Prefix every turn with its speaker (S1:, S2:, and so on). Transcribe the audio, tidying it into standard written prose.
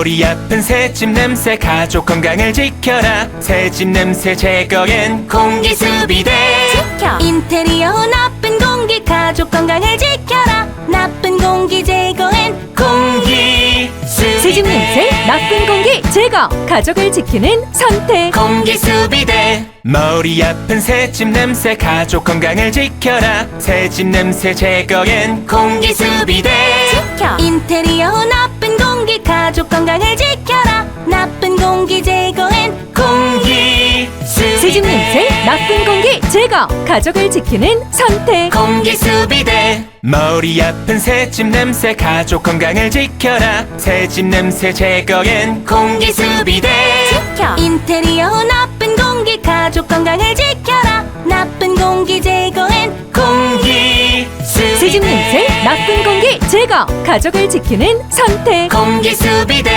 S1: 머리 아픈 새집 냄새 가족 건강을 지켜라. 새집 냄새 제거엔 공기수비대.
S2: 지켜 인테리어 나쁜 공기 가족 건강을 지켜라. 나쁜 공기 제거엔
S1: 공기수비대.
S3: 새집 냄새, 나쁜 공기 제거. 가족을 지키는 선택.
S1: 공기수비대. 머리 아픈 새집 냄새 가족 건강을 지켜라. 새집 냄새 제거엔 공기수비대.
S2: 지켜 인테리어 나쁜 공기 가족 건강을 지켜라. 나쁜 공기 제거엔
S1: 공기수비대.
S3: 새집 냄새, 나쁜 공기 제거. 가족을 지키는 선택.
S1: 공기수비대. 머리 아픈 새집 냄새 가족 건강을 지켜라. 새집 냄새 제거엔 공기수비대.
S2: 지켜 인테리어 나쁜 공기 가족 건강을 지켜라. 나쁜 공기 제거엔
S1: 공기수비대.
S3: 새집 냄새, 나쁜 공기 제거. 가족을 지키는 선택.
S1: 공기수비대.